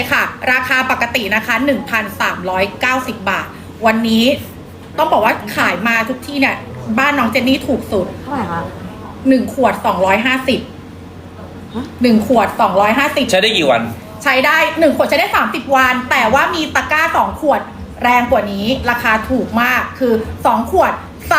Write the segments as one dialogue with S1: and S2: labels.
S1: ค่ะราคาปกตินะคะ 1,390 บาทวันนี้ต้องบอกว่าขายมาทุกที่เนี่ยบ้านน้องเจนนี่ถูกสุด
S2: เท่าไหร่คะ
S1: 1 ขวด 250 1 ขวด 250
S3: ใช้ได้กี่วัน
S1: ใช้ได้1ขวดใช้ได้30วันแต่ว่ามีตะกร้า2ขวดแรงกว่านี้ราคาถูกมากคือ2ขวด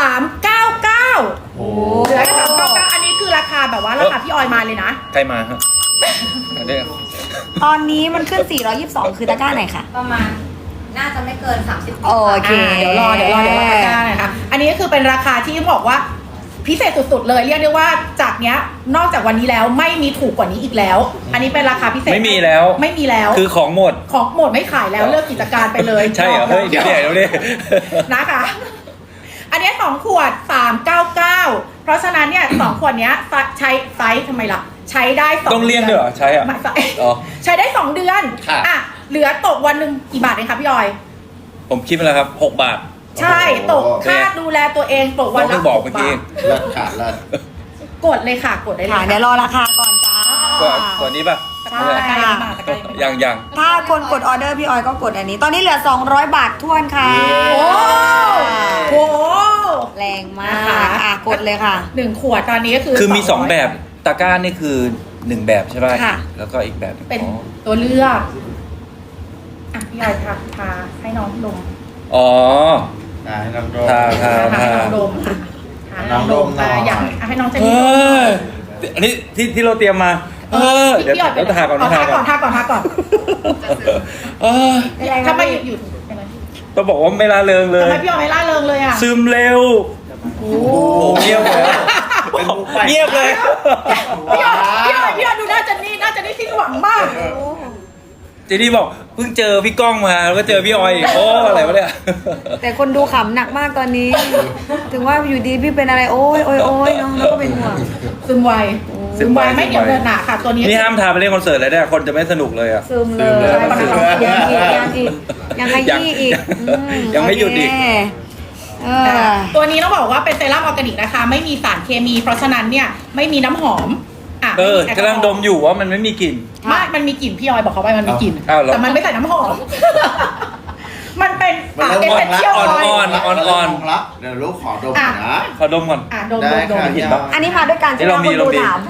S1: 399
S3: โอ้
S1: เหลือแค่399อันนี้คือราคาแบบว่าราคาพี่ออยมาเลยนะ
S3: ใครมาฮะอันนี้
S2: ตอนนี้มันขึ้น 422 คือตะกร้าไหนคะ
S4: ประมาณน่าจะไม่เกิน 30
S2: โอเค
S1: เดี๋ยวรอตะกร้านะคะอันนี้ก็คือเป็นราคาที่บอกว่าพิเศษสุดๆเลยเรียกได้ว่าจากเนี้ยนอกจากวันนี้แล้วไม่มีถูกกว่านี้อีกแล้ว อันนี้เป็นราคาพิเศษ
S3: ไม่มีแล้ว
S1: ไม่มีแล้ว
S3: คือของหมด
S1: ของหมดไม่ขายแล้วเลิกกิจการไปเลย
S3: ใช่เหรอเฮ้ยเดี๋ยวดิ
S1: นะคะ อันเนี้ย2ขวด399เพราะฉะนั้นเนี่ย2ขวดเนี้ยใช้ไซส์ทำไมล่ะใช้ได้2
S3: ต้องเลี่ยนด้วยเหรอใช้อ่ะ
S1: ไม่ใช่
S3: อ๋อ
S1: ใช้ได้2 เดือน
S3: ค่ะ
S1: อ่ะเหลือตกวันหนึ่งกี่บาทเองคะพี่ออย
S3: ผมคิดไปแล้วครับ6 บาท
S1: ใช่ตกค่าดูแลตัวเองตกวันละ
S3: ต้องบอก
S1: 6
S3: เมื่อกี้
S1: บาท
S5: เลิศค่ะเลิศ
S1: กดเลยค่ะกดได้เลย
S2: ค่ะ
S1: ค่ะ
S2: เดี๋ยวรอราคาก่อนจ้า
S3: ตัวนี้ป่ะ
S1: ใช่ตะกร้ายังไม่มาตะกร้ายังไม่มา
S3: ยัง
S2: ถ้าคนกดออเดอร์พี่ออยก็กดอันนี้ ตอนนี้เหลือ 200 บาททวนค่ะ
S1: โอ้โห
S2: แรงมาก
S1: นะคะ
S2: อ่ะกดเลยค่ะ
S1: 1 ขวดตอนนี้ก็คือ
S3: คือมี
S1: 200
S3: 2 แบบตะกร้านี่คือ1แบบใช่ป่ะ
S1: ค่ะ
S3: แล้วก็อีกแบบหนึ่ง
S1: เป็น
S3: อ๋อ
S1: ตัวเลือกอ่ะพี่ออยทาให้น้องดม
S3: อ๋อ
S5: ให้น้องโดม
S3: ทา
S1: ให้น้องดมค่ะทาให้น้องดม
S5: น้องดมหน่อย
S1: อยากให้น้องเจน
S3: เอ
S1: นี่ดม
S3: ออันนี้ที่เราเตรียมมา เออเดี๋ยว
S1: พี่ออย
S3: เดี๋ยวทาก่อน
S1: ทาก่อนทาก่อนทาก่อน
S3: เออ
S1: ทำไมอยู่เป็นไร
S3: ต้องบอกว่าไม่ละเริงเล
S1: ทำ
S3: ย
S1: ไมพี่ออยไม่ล่าเริงเลยอ่ะ
S3: ซึมเร็ว
S1: โอ้
S3: โอ้เงียบเลย
S5: เป็นมุกไป
S3: เงียบเลย
S1: พี่ออยดูหน้าเจนนี่สิ้นหวังมาก
S3: เจนี่บอกเพิ่งเจอพี่ก้องมาแล้วก็เจอพี่ออยอีกโอ้อะไรวะเนี่ย
S2: แต่คนดูขำหนักมากตอนนี้ ถึงว่าอยู่ดีพี่เป็นอะไรโอ้ยน้องแล้วก็เป็นห่วง
S1: ซึมไวไม่เดี๋ยวเดินหนาค่ะตัวนี้
S3: นี่ห้ามทาไปเล่นคอนเสิร์ตเลยเนี่ยคนจะไม่สนุกเลยอ่ะ
S2: ซึมเลย
S3: ซึมเลย
S2: ยังขยี้อีก
S3: ยังไม่หยุดอีก
S2: โเคเออ
S1: ตัวนี้ต้องบอกว่าเป็นเซรั่มออร์แกนิกนะคะไม่มีสารเคมี เพราะฉะนั้นเนี่ยไม่มีน้ำหอมอ่ะ
S3: เออ
S1: ไม่มีแอลกอฮอล์
S3: กำลังดมอยู่ว่ามันไม่มีกลิ่น
S1: ไม่มันมีกลิ่นพี่ออยบอกเขาไปมันมีกลิ่น
S3: อ้าวเหรอ
S1: แต่มันไม่ใส่น้ำหอม มันเป็น
S5: มันเริ่ม
S1: เอส
S5: อ่อน
S1: เซน
S5: ละ
S1: เชียลออย
S3: อ่อน
S5: ละเดี๋ยวลูกขอดมหน่อยนะ
S3: ขอดมก่อน
S1: อ่ะดม
S5: ได้
S1: ดม
S5: ค่ะ
S3: เห็นปะ
S2: อันนี้มาด้วยการที่
S3: เรามี
S2: คนดู
S3: เรามี
S2: ถาม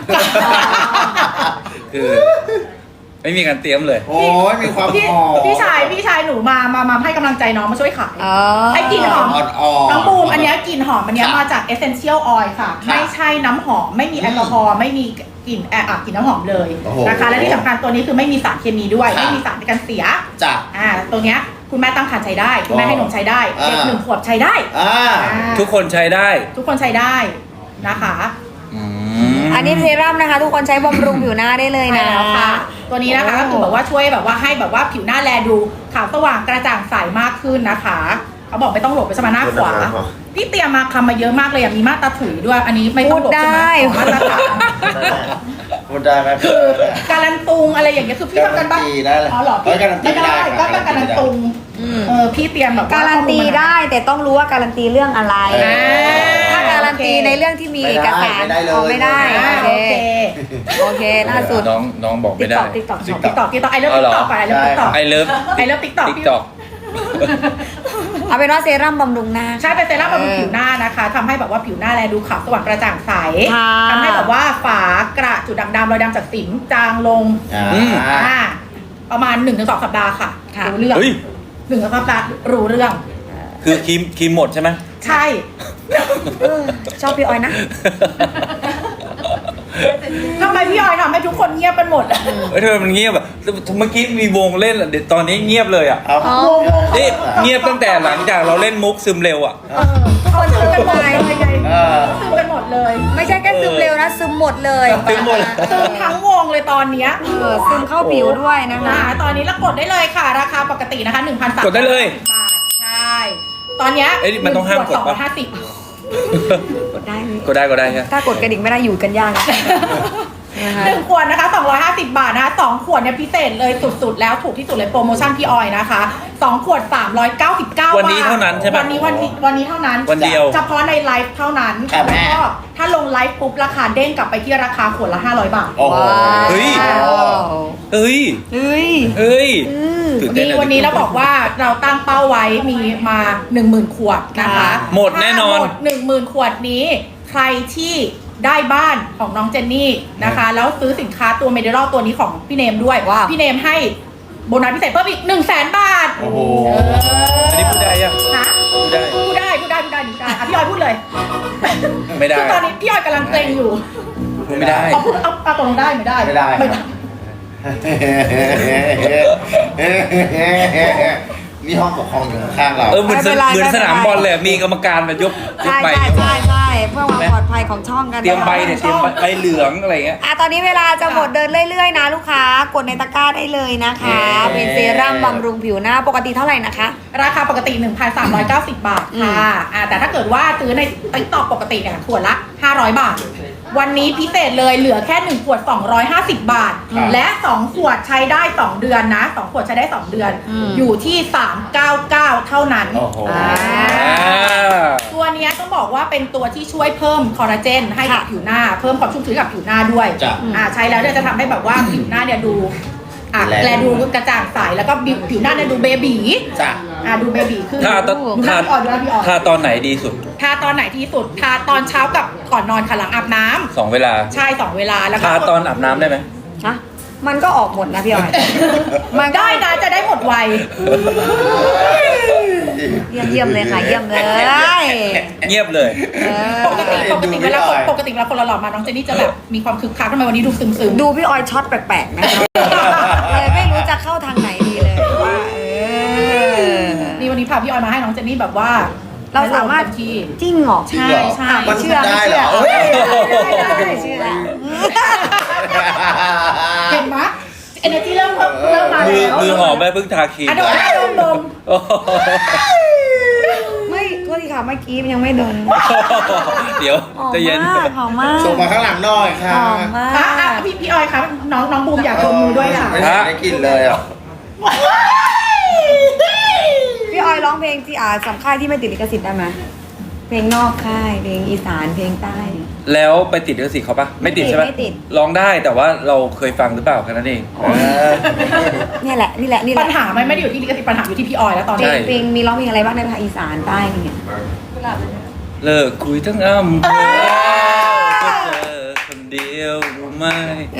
S3: คือ ไม่มีการเตรียมเลย
S5: โอ้ยมีความ
S1: พี่
S5: หอม
S1: พี่ชายหนูมาให้กำลังใจน้องมาช่วยขาย
S2: อ๋อ
S1: ไอ้กลิ่นหอม
S5: อ่อนๆ
S1: น้องบูมอันเนี้ยกลิ่นหอมอันเนี้ย
S5: ค่ะ
S1: มาจาก Essential Oil ค่ะ
S5: ค่ะ
S1: ไม่ใช่น้ำหอมไม่มีแอลกอฮอล์ไม่มีกลิ่นกลิ่นน้ำหอมเลย
S5: โอ้โห
S1: นะคะและที่สำคัญตัวนี้คือไม่มีสารเคมีด้วย
S5: ค่ะ
S1: ไม่มีสารในการเสีย
S5: จ้ะ
S1: ตัวเนี้ยคุณแม่ตั้งครรภ์ใช้ได้คุณแม่ให้นมใช้ได้
S5: อ่า
S1: เด็ก1 ขวบใช้ได้
S5: อ่า
S3: ทุกคนใช้ได้
S1: ทุกคนใช้ได้นะคะ
S3: อืม
S2: อันนี้เซรั่มนะคะ ทุกคนใช้บำรุงผิวหน้าได้เลย
S1: ใช่
S2: นะ
S1: แล้วค่ะ ตัวนี้นะคะก็คือแบบว่าช่วยแบบว่าให้แบบว่าผิวหน้าแลดูขาวสว่างกระจ่างใสมากขึ้นนะคะเขาบอกไม่ต้องหลบไปสมาหน้าขวาพี่เตรียมมาคำมาเยอะมากเลยมีมาตราถุยด้วย อันนี้ไม่ต้องหลบใช่ไหมของมาตรฐาน
S5: พูดได้ไหม
S1: คือการันตุงอะไรอย่างเงี้ยคือพี่ทำกันบ้าง
S5: การันตีได้เลย
S1: อ๋อเหรอ
S5: เอ้ยการันตี
S1: ไม่ได้
S5: ได้
S1: ก็
S5: ครับ
S1: การันตุงพี่เตรียมแบบว่า
S2: การันตีได้แต่ต้องรู้ว่าการันตีเรื่องอะไร
S1: อ่า
S2: ถ้าการันตีในเรื่องที่มีเอกสาร
S5: ไม่ได้เลย
S2: เอาไม่ได้
S1: โอเค
S2: โอเคล่าสุด
S3: น้องบอกไม่ได้
S1: ติ๊กต็อกไอเลิฟ
S3: เอาเหรอ
S1: ติ๊กต็อกไอเลิฟติ๊กต็อก
S3: ไอเลิฟ
S1: I love TikTok
S3: ติ๊กต็อก
S2: เอาเป็นว่าเซรั่มบำรุงหน้า
S1: ใช่เป็นเซรั่มบำรุงผิวหน้านะคะทำให้แบบว่าผิวหน้าแลดูขาวสว่างกระจ่างใส
S2: ค่ะ
S1: ทำให้แบบว่าฝากระจุดด่างดำรอยดำจากสิวจางลง
S5: อ่า
S3: อืม
S1: ประมาณ 1-2 สัปดาห์ค่ะ
S2: ค่ะ
S1: รู้เรื่อง
S3: เฮ้ย
S1: 1-2 สัปดาห์รู้เรื่อง
S3: คือครีมหมดใช่ไหม
S1: ใช่
S2: ชอบพี่ออยนะ
S1: ทำไมพี่ออยทำให้ทุกคนเงียบกันหมดอะ
S3: เฮ้ยทำไมมันเงียบอ่ะเมื่อกี้มีวงเล่นอ่ะเดี๋ยวตอนนี้เงียบเลยอ่ะ
S5: เอา
S2: อ๋อ
S3: นี่เงียบตั้งแต่หลังจากเราเล่นมุกซึมเร็วอ่ะ
S1: ทุกคนซึมกันหมดเลย
S5: เออ
S1: ซึมกันหมดเลย
S2: ไม่ใช่แค่ซึมเร็วนะซึมหมดเลย
S3: ซึมหมด
S1: ซึมทั้งวงเลยตอนเนี้ย
S2: ซึมเข้าผิวด้วยนะคะ
S1: ตอนนี้เรากดได้เลยค่ะ ราคาปกตินะคะ 1,300
S3: กดได้เลย
S1: บาทใช่ ตอนเนี้ย
S3: เอ้ยมันต้องห้ามกดปะ
S1: 250
S2: กดได้ไหม
S3: ก็ได้ใช่ไหม
S2: ถ้ากดกระดิ่งไม่ได้อยู่กันยากนะนะคะ
S1: 1 ขวดนะคะ250 บาทนะคะ2ขวดเนี่ยพิเศษเลยสุดๆแล้วถูกที่สุดเลยโปรโมชั่นพี่ออยนะคะ2ขวด399 บาท
S3: วันนี้เท่านั้นใช่ปะ
S1: วันนี้เท่านั้น
S3: วันเดียว
S1: เฉพาะในไลฟ์เท่านั้น
S5: ครับแม่
S1: แล้วก็ถ้าลงไลฟ์ปุ๊บราคาเด้งกลับไปที่ราคาขวดละ500 บาท
S5: โอ้โห
S3: เฮ้ย เฮ้ย
S2: เฮ้ย
S3: เฮ้ยตื่นเต้
S1: นี่
S3: อะ
S1: วันนี้เราบอกว่าเราตั้งเป้าไว้มีมา 10,000 ขวดนะคะ
S3: หมดแน่นอน
S1: ถ้าหมด 10,000 ขวดนี้ ใครที่ได้บ้านของน้องเจนนี่นะคะ แล้วซื้อสินค้าตัวเมดิลอลตัวนี้ของพี่เนมด้วย
S2: ว้าว
S1: พี่เนมให้โบนัสพิเศษเพิ่มอีก 100,000 บาท
S5: โอ้โห
S3: อันนี้พูดได้ยัง
S1: นะ
S3: พูดได้
S1: พูดได้อ่ะพี่ออยพูดเลย
S3: ไม่ได้
S1: คือตอนนี้พี่ออยกำลังเกรงอยู่
S3: พูดไม่ได้
S1: เอาพูดเอาตกลงได้ไม่ได้
S5: ไม่ได้ครับ นี่ห้องปกครองอยู่ข้างๆเรา
S3: เหมือน
S2: ไม่เป็นไร
S3: เหมือน
S2: ไม่เป็นไร
S3: สนามบอลเลยมีกรรมการมายก
S2: ใช่
S3: ใบ
S2: ใช่เพื่อความปลอดภัยของช่องกัน
S3: เตรียมใบเนี่ยเตรียมใบเหลืองอะไรเงี้ย
S2: ตอนนี้เวลาจะหมดเดินเรื่อยๆนะลูกค้ากดในตะกร้าได้เลยนะคะ เป็นเซรั่มบำรุงผิวหน้าปกติเท่าไหร่นะคะ
S1: ราคาปกติ 1,390 บาทค่ะแต่ถ้าเกิดว่าซื้อในTikTokปกติเนี่ยขวดละ 500 บาท วันนี้พิเศษเลยเหลือแค่ 1 ขวด 250 บาท
S5: ครับ
S1: และ 2 ขวดใช้ได้ 2 เดือนนะ 2 ขวดใช้ได้ 2 เดือน อยู่ที่ 399 เท่านั้น
S5: โอ้โห
S2: อ่า
S1: ตัวเนี้ยต้องบอกว่าเป็นตัวที่ช่วยเพิ่มคอลลาเจนให้กับ
S2: ค่ะ
S1: ผิวหน้า เพิ่มความชุ่มชื้นกับผิวหน้าด้วย
S5: จ้ะ
S1: ใช้แล้วเนี่ยจะทำให้แบบว่าผิวหน้าเนี่ยดูแลดูกระจ่างใสแล้วก็ผิวหน้าเนี่ยดูเบบี
S5: จ้ะ
S1: ดูเบบีขึ้น
S3: ถ้าตอน
S1: ดูหน้าพี่ออยดูหน้าพี่ออย
S3: ถ้าตอนไหนดีสุด
S1: ทาตอนไหนที่สุด ทาตอนเช้ากับก่อนนอนค่ะหลังอาบน้ำ
S3: 2 เวลา
S1: ใช่2 เวลาแล้วก็
S3: ทาตอนอาบน้ำได้ไหม
S2: ฮะมันก็ออกหมดนะพี่ออย มันก็
S1: ได้นะจะได้หมดไว
S2: เยี่ยมเลยค่ะ เยี่ยมเลย
S3: เงียบเลย
S1: ปกติเวลาคนหล่อๆมาน้องเจนนี่จะแบบมีความคึกคักทำไมวันนี้ดูซึมๆ
S2: ดูพี่ออยช็อตแปลกๆนะคะเลยไม่รู้จะเข้าทางไหนดีเลยว่า
S1: นี่วันนี้พาพี่ออยมาให้น้องเจนนี่แบบว่า
S2: เราสามารถ
S1: เต็มที่
S2: จริงเหรอ
S1: ใช่ใช่
S5: มัน
S2: เชื่อ
S5: ได้เหรอ
S2: เชื่อ
S5: เฮ้ย
S2: เชื่อ
S1: เห็นไหมเอเนจีเริ่มมา
S3: มือ
S1: แล้ว
S3: มือหอมแม่เพิ่งทาครีม
S1: ดม
S3: โอ้โห
S2: ไม่โทษทีค่ะเมื่อกี้มันยังไม่โดน
S3: เดี๋ยว
S2: หอม
S3: ใจะเย็น
S2: มากหอมมาก
S5: ส่งมาข้างหลังหน่อยค่ะ
S2: หอมมา
S1: พี่ออยครับน้องบูมอยากดมมือด้วยค่ะ
S5: ไม่ได้กลินเลยอ่ะ
S2: พี่ออยร้องเพลงที่สำค่ายที่ไม่ติดลิขสิทธิ์ได้ไหมเพลงนอกค่ายเพลงอีสานเพลงใต้
S3: แล้วไปติดลิขสิทธิ์เขาปะไม่ติดใช่ปะ
S2: ไม่ติด
S3: ร้องได้แต่ว่าเราเคยฟังหรือเปล่าแค่นั้นเอง
S2: เนี่ยแหละนี่แหละ
S1: ปัญหาไม่ได้อยู่ที่ลิขสิทธิ์ปัญหาอยู่ที่พี่ออยแล้วตอน
S2: เพล
S1: นี้
S2: งเพลงมีร้องเพลงอะไรบ้างในภาคอีสานใต้เนี่ย
S3: เลิกคุยทั้งอำเภอก็เจอคนเดียวรู้ไหม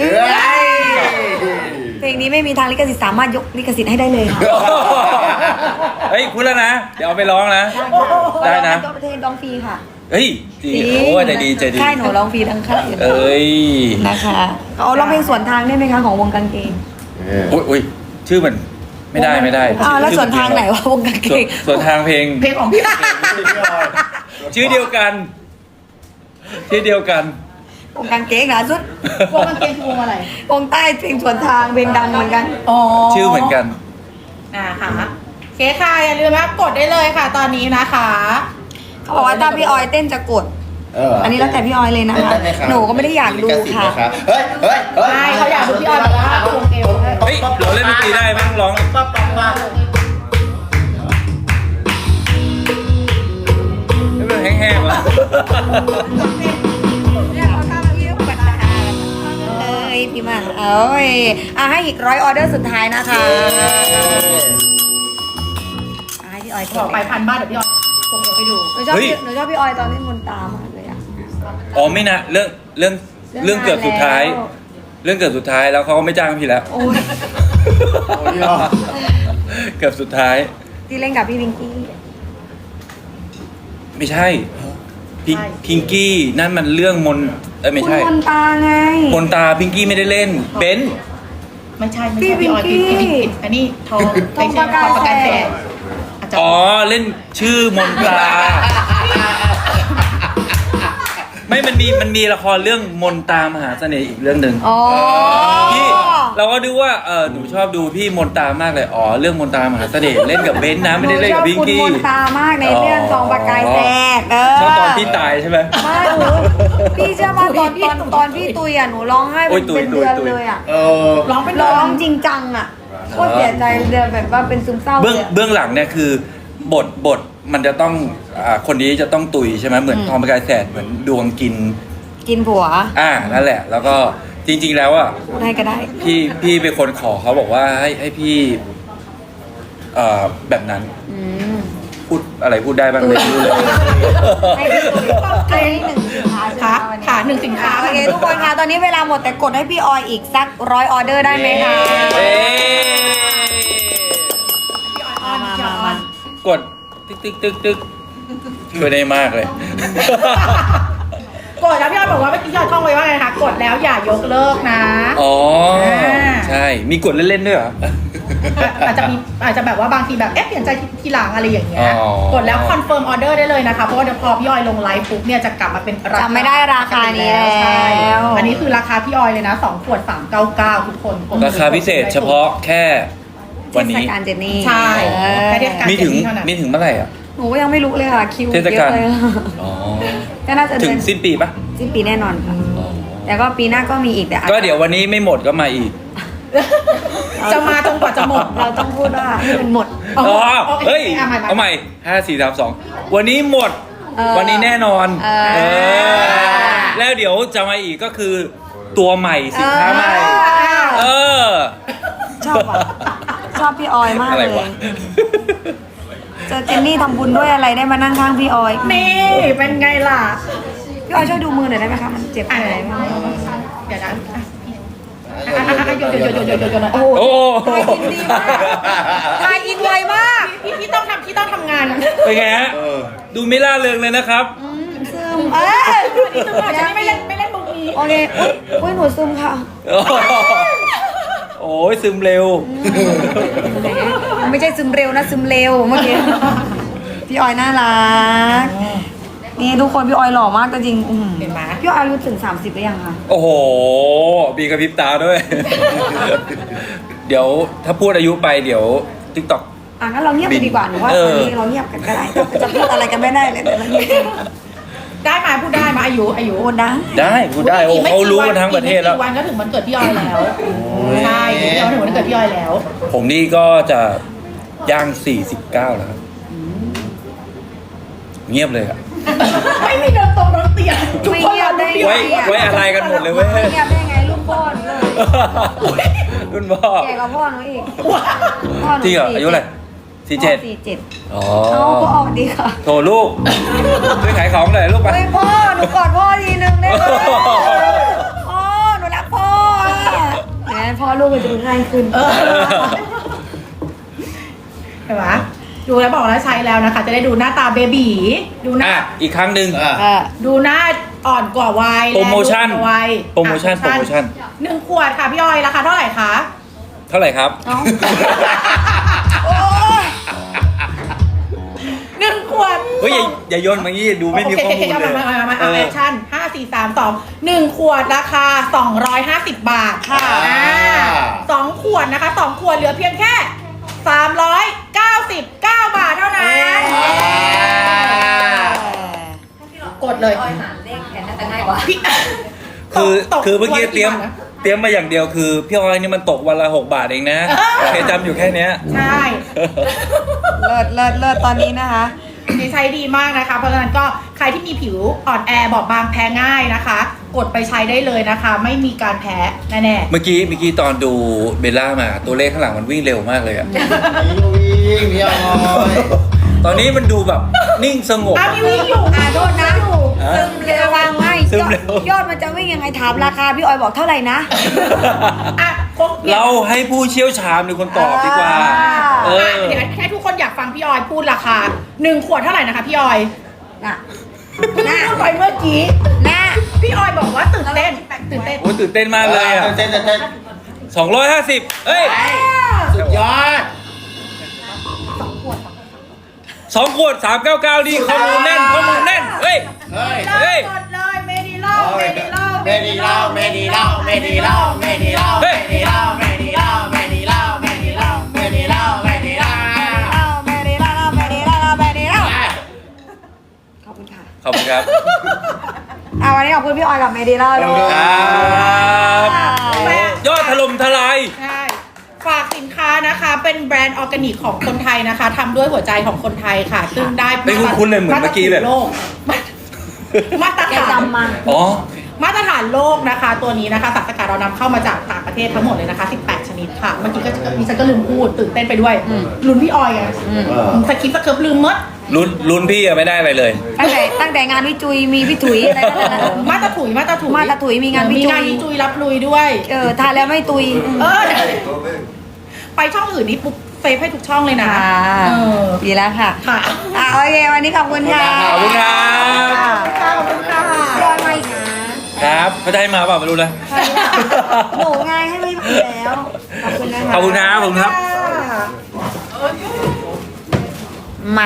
S2: เพลงนี้ไม่มีทางลิขสิทธิ์สามารถยกลิขสิทธิ์ให้ได้เลยค่ะ
S3: เฮ้ยพูดแล้วนะ เดี๋ยวเอาไปร้องนะ ได้นะ
S2: ทั่วประเทศร้องฟรีค่ะ
S3: เฮ้ยดีโอ้ใจดีใจดี
S2: ค่ายหนูร้องฟรีทั้งค่าย
S3: เอ้ย
S2: นะคะเอาร้องเพลงสวนทางได้ไหมคะของวงกางเกง
S3: อุ้ยชื่อมันไม่ได้ไม่ได้
S2: แล้วสวนทางไหนวะวงกางเกง
S3: ส่วนทางเพลง
S1: เพลงของพี่
S3: ชื่อเดียวกันชื่อเดียวกัน
S2: วงกางเกงนะสุด
S1: วงกางเกงคือวงอะไร
S2: วงใต้เพลงสวนทางเพลงดังเหมือนกัน
S3: ชื่อเหมือนกัน
S1: นะคะเคค่ะอย่าลืมนะกดได้เลยค่ะ ตอนนี้นะคะ
S2: เขาบอกว่าถ้าพี่ออยเต้นจะกด อันนี้แล้วแต่พี่ออยเลยนะคะ หนูก็ไม่ได้อยากดูค่ะ
S5: เฮ้ยเฮ้ยเฮ้ย
S1: ใช่เขาอยากดูพี่ออยแบบว่าควงเอว
S3: เฮ้ยเราเล่นดนตรีได้ไหมร้อง
S5: ปั๊บปั๊บปั๊บ
S3: ไม่เป็นแห้งๆวะ
S2: เอ้ยพี่มาเอ้ยให้อีก100 ออเดอร์สุดท้ายนะคะให้พี่ออย
S1: บอกไป1,000 บาทเดี๋ยวพี่ออยควงเอวให้ดู
S2: หนูชอบพี่ออยตอนเล่นมนตามากเลยอะ
S3: อ๋อไม่นะเรื่องเกือบสุดท้าย เรื่องเกือบสุดท้ายแล้วเขาก็ไม่จ้างพี่แล้ว
S2: โอ้ย
S3: เกือบสุดท้าย
S2: ที่เล่นกับพี่วิงกี้
S3: ไม่ใช่พิงกี้นั่นมันเรื่องมนไม่
S2: คุณ
S3: ใช่
S2: มนตาไง
S3: มนตาพิงกี้ไม่ได้เล่นเบนซ์
S1: ไม่ใช่พี่ออยผิดอันนี้ทองไม่ใช่ทองประกันแสน
S3: อ๋อเล่นชื่อมนตาไม่มันมีละครเรื่องมนตามหาเสน่ห์อีกเรื่องหนึ่ง
S2: อ๋อ
S3: พี่เราก็ดูว่าหนูชอบดูพี่มนตามากเลยอ๋อเรื่องมนตามหาเสน่ห์เล่นกับเบนซ์นะไม่ได้เล่นกับพิง
S2: หนูชอบ
S3: กี้
S2: คุณมนตามากในเรื่องทองประกายแสด
S3: ชอบตอนพี่ตายใช่ไหม
S2: ไม่หนูพี่เชื่อมาตอนพี่ตุยอ่ะหนูร้องไห้
S3: โอ้ย
S2: เป็นเดือนเลยอ่ะ
S1: ร้องเป็น
S2: ร้องจริงจังอ่ะโคตรเสียใจเดือนแบบว่าเป็นซึมเศร้าเลยอะ
S3: เบื้องหลังเนี่ยคือบทมันจะต้องคนนี้จะต้องตุยใช่ไหมเหมือนทองประกายแสดเหมือนดวงกิน
S2: ผัว
S3: นั่นแหละ แล้วก็จริงๆแล้วอ่ะ
S2: พูดให้ก็ได้
S3: พี่เป็นคนขอเขาบอกว่าให้พี่แบบนั้น
S2: อืม
S3: พูดอะไรพูดได้บ้างเลยไม่รู้เลย
S2: ให้พี่ตุยให้หนึ่งสินค้าใช่ไหม
S1: ค่ะ
S2: วันนี้
S1: ค่ะ1 สินค้า
S2: โอเคทุกคนค่ะตอนนี้เวลาหมดแต่กดให้พี่ออยอีกสัก100 ออเดอร์ได้ไหมคะ
S3: เย้
S2: มา
S3: กดตึกช่วยได้มากเลย
S1: กดแล้วพี่ออยบอกว่าเมื่อกี้พี่ออยท่องไว้ว่าไงคะกดแล้วอย่ายกเลิกนะ
S3: อ๋อใช่มีกดเล่นๆด้วยเหรอ
S1: อาจจะแบบว่าบางทีแบบเปลี่ยนใจทีหลังอะไรอย่างเงี้ย
S3: อ๋อ
S1: กดแล้วคอนเฟิร์มออเดอร์ได้เลยนะคะเพราะว่าเดี๋ยวพอพี่ออยลงไลฟ์ปุ๊บเนี่ยจะกลับมาเป็นราคา
S2: จำไม่ได้ราคานี้แล้ว
S1: ใช่อันนี้คือราคาพี่ออยเลยนะ2 ขวด 399 ทุกคน
S3: ราคาพิเศษเฉพาะแค่วัน
S2: เทศ
S3: นี้
S2: กาลเจนนี่
S1: ใช่แค่เทศกาล
S3: มีถึง
S1: เท่านั้น
S3: เมื่อไหร่อ่ะ
S2: หนูก็ยังไม่รู้เลยค่ะคิว
S3: เทศ
S2: เย
S3: กาล
S2: อะเลย
S3: อ๋อ
S2: ก็น่าจะ
S3: ถึ
S2: เดื
S3: ง
S2: อน
S3: สิ้นปีปะ
S2: สิ้นปีแน่นอนค่ะแต่ก็ปีหน้าก็มีอีกแต่อาจจะ
S3: ก็เดี๋ยววันนี้ไม่หมดก็มาอีก
S1: จะมาจนกว่าจะหมด
S2: เราต้องพูดว่าให้มันหมด
S1: อ๋อ
S3: เฮ้ย
S1: เอาใหม่
S3: เอาใหม่5 4 3 2วันนี้หมด
S2: เออ
S3: วันนี้แน่นอน
S2: เออ
S3: เออแล้วเดี๋ยวจะมาอีกก็คือตัวใหม่สินค้าใหม่ เออ
S2: ชอบอ่ะชอบพี่ออยมาก
S3: อะไร
S2: เล
S3: วะ
S2: ยเจอเจนนี่ทำบุญด้วยอะไรได้มานั่งข้างพี่ออย
S1: นี่เป็นไงล่ะ
S2: พี่ออยช่วยดูมือหน่อยได้ไหมคะมันเจ็บอะไรบ้าง
S1: เดี๋ยวนะโยนโอ้
S3: โอ้
S2: ทายอินไวมาก
S1: พี่ต้องทำงาน
S3: เป็นไงฮะดูไม่ล่าเริงเลยนะครับ
S2: ซึม
S1: ฉันไม่เล่นมุกนี้
S2: โอเคอุ้ยหนูซึมค่ะ
S3: โอ้ยซึมเร็ว
S2: ไม่ใช่ซึมเร็วนะซึมเร็วเมื่อกี้พี่ออยน่ารักนี่ทุกคนพี่ออยหล่อมากแต่จริง
S1: เห็นไหม
S2: พี่ออยอายุถึง30หรือยังคะ
S3: โอ้โหมีกระพริบตาด้วย เดี๋ยวถ้าพูดอายุไปเดี๋ยว TikTok
S2: งั้นเราเงียบไปดีกว่าหนูว่าตอนนี้เราเงียบกันก็ได้จะพูดอะไรกันไม่ได้เลยแต่เราเงียบกัน
S1: ได้มาพูดได้มาอายุ
S2: โอ้นะ
S3: ได้พูดได้โอ้เขารู้กันทั้งประเทศแล้ว
S1: อีกไม่กี่วันก็ถึงวันเกิดพี่ออยแล้วใช่พี่ออยถึงวันเกิดพี่ออยแล้ว
S3: ผมนี่ก็จะย่าง49แล้วครับเงียบเลยอะ
S1: ไม่มีเดินตรงรถเตียงทุก
S2: ไม่
S1: คน
S2: เงียบได้
S3: ไว้อะไรกันหมดเลยเว้ย
S2: ไม่เงียบได้ไงรุ่นพ่อหนูเลย
S3: รุ่นพ่อ
S2: แก่กว่าพ่อหนูอีกพ่อหนู
S3: จริงเหรออายุอะไร47
S2: 47
S3: อ๋อ
S2: เอาพ่อดีค่ะ
S3: โถลูกช่วยขายของหน่อยลูกไป
S2: เฮ้ยพ่อหนูกอดพ่อทีนึงได้ไหมพ่อหนูรักพ่องั้นพ่อลูกมันจะง่ายขึ้น
S1: เห็นไหมดูแล้วบอกแล้วใช้แล้วนะคะ จะได้ดูหน้าตาเบบีดูหน้า
S3: อีกครั้งหนึ่ง
S1: ดูหน้าอ่อนกว่าวัย
S3: โปรโมชั่น
S1: และดูกว่าวัย
S3: โปรโมชั่น
S1: 1 ขวดค่ะพี่ออยราคาเท่าไหร่คะ
S3: เท่าไหร่ครับ
S2: โอ้ย
S1: 1 ขวด
S3: เฮ้ยอย่าโยนมางี้ดูไม่มีข้อมูลเลย
S1: มาแอคชั่น5 4 3 2 1 ขวดราคา250 บาทค่ะ2 ขวดนะคะ2 ขวดเหลือเพียงแค่399 บาทเท่านั้นกดเลย
S4: ออยหาเลขแทนน่าจะง่ายกว่า
S1: พี่
S3: คือเมื่อกี้เตรียมมาอย่างเดียวคือพี่ออยนี่มันตกวันละ6 บาทเองนะเคยจำอยู่แค่เนี้ย
S1: ใช่
S2: เลิศตอนนี้นะคะ
S1: นี่ใช้ดีมากนะคะ เพราะฉะนั้นก็ใครที่มีผิวอ่อนแอบอบบางแพ้ง่ายนะคะ กดไปใช้ได้เลยนะคะ ไม่มีการแพ้แน่
S3: เมื่อกี้ตอนดูเบลล่ามาตัวเลขข้างหลังมันวิ่งเร็วมากเลยอะ
S5: วิ่งพี่ออย
S3: ตอนนี้มันดูแบบนิ่งสงบ
S1: ๆมีวิ่งอยู่
S2: โทษนะ ซึมเร็ววางไม่
S3: ซึมเร็ว
S2: ยอดมันจะวิ่งยังไงถามราคาพี่ออยบอกเท่าไหร่นะ
S1: อ่ะครบเนี่ย
S3: เราให้ผู้เชี่ยวชาญเป็นคนตอบดีกว่า เออ
S1: เดี๋ยวให้ทุกคนอยากฟังพี่ออยพูดราคา1 ขวดเท่าไหร่นะคะพี่ออย
S2: น่ะ
S1: พูดไปเมื่อกี้
S2: น่ะ
S1: พี่ออยบอกว่าตื่นเต้น
S3: โอ้ยตื่นเต้นมากเลยอะ
S5: เต้น
S3: 250เอ้ย
S5: สุดยอด
S3: 2 ขวด399ดีข้อมูลแน่นเฮ้ย
S5: เฮ้ย
S1: เริ่มกดเลยเมดิ
S5: เมดีเล่าเมดีเล่าเมดีเล่าเมดีเล่าเมดีเล่าเมดีเล่าเมดีเล่าเมดีเล่าเมดีเล่าเมดีเล่าเมดีเล่า
S2: ขอบคุณค่ะ
S3: ขอบคุณครับ
S2: วันนี้ขอบคุณพี่ออยกับเมดีล่าด้วย
S3: ครับยอดถล่มทลาย
S1: ใช่ฝากสินค้านะคะ เป็นแบรนด์ออร์แกนิกของคนไทยนะคะทำด้วยหัวใจของคนไทยค่ะ ซึ่งได้
S3: ไม่คุ้นๆเลยเหมือนเมื่อกี้เลย
S1: มาตร
S2: แก
S1: ฐาน
S2: จำมา
S3: อ๋อ
S1: มาตรฐานโลกนะคะ ตัวนี้นะคะสารสกัดเรานำเข้ามาจากต่างประเทศทั้งหมดเลยนะคะ18ชนิดค่ะเมื่อกี้ก็ดิฉันก็ลืมพูดตื่นเต้นไปด้วยลุ้นพี่ออยไงสคริปต์สเคิร์ฟลืมมด
S3: ลุ้นพี่อะไม่ได้อะไรเลย
S2: ตั้งแต่งานพี่จุยมีพี่ถุยอะไรนั่นแหละ
S1: มาตรถุย
S2: มาตรถุยมีงานพี่จุย
S1: มีงานพี่จุยรับลุยด้วย
S2: ทานแล้วไม่ตุย
S1: ไปช่องอื่นนี่ปุ๊บเซฟให้ทุกช่องเลยนะ
S2: ค่ะ
S1: เออ
S2: ดีแล้วค่ะ
S1: ค่ะ
S2: โอเควันนี้ขอบคุณค่ะ
S3: ขอบคุณครับ
S1: ขอบคุณค่ะ
S2: รอมาอีกนะครับ
S3: เขาจะให้มาเปล่าไม่รู้นะ
S2: หนูไงให้ไม่ผิดแล้ว ขอบคุณนะคะ
S3: ขอบคุณครับขอบคุณครับ
S2: มา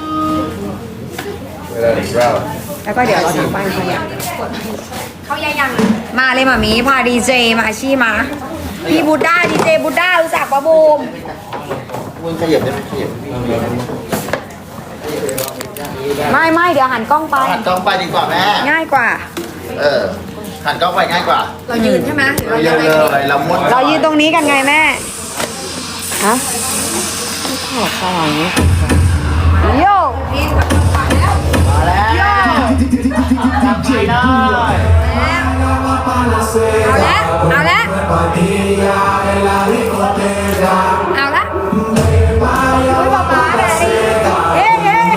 S2: แล้วก็เดี๋ยวเราทำบ้านเขาอย่าง
S4: เขายัง
S2: มาเลยมามีพาดีเจมาอาชีมา พี่บูด้าดีเจบูด้ารู้จักปะบูม
S5: มึงขยับได้ไหมขยับ
S2: ไม่เดี๋ยวหันกล้องไป
S5: หันกล้องไปดีกว่าแม่
S2: ง่ายกว่า
S5: หันกล้องไปง่ายกว่า
S4: เรายืนใช่ไหมหรือ
S5: เรา
S4: เรา
S5: เย
S4: จะ
S5: อะ
S4: ไป
S5: เลยเราม้วน
S2: เรายืนตรงนี้กันไงแม่ ฮะขอสว่างโย
S5: มาแล้วจับไปได้
S2: เอาละเอาละเอาละอุ้ยป๊าป๊าแบบนี้เฮ้เฮ้เฮ้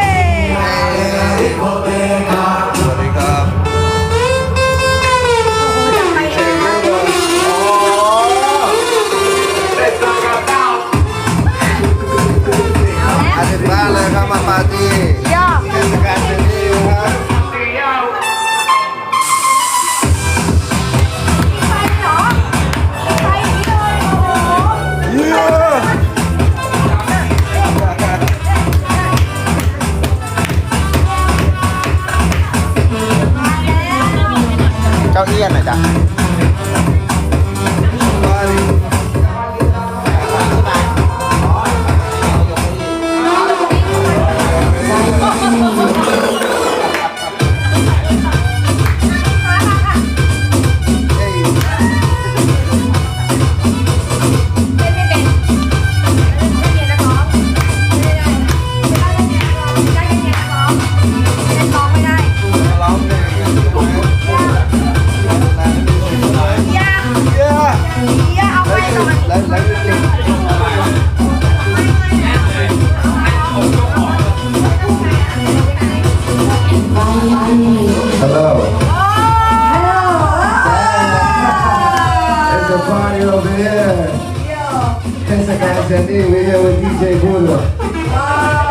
S6: สวัสดีครับ อาทิตย์บ้านเลยครับมาปาร์ตี้
S2: ย่อ
S6: เทศกาลเดลี่นะครับ
S5: เจ้าเอี้ยนหน่อยจ้ะ
S6: ร้องเพลงกันใช่ไหม
S2: ย่าเอาไปหน่อย
S6: แล้วจริง Hello. It's a party over here. Tes acá, we here with DJ Budo.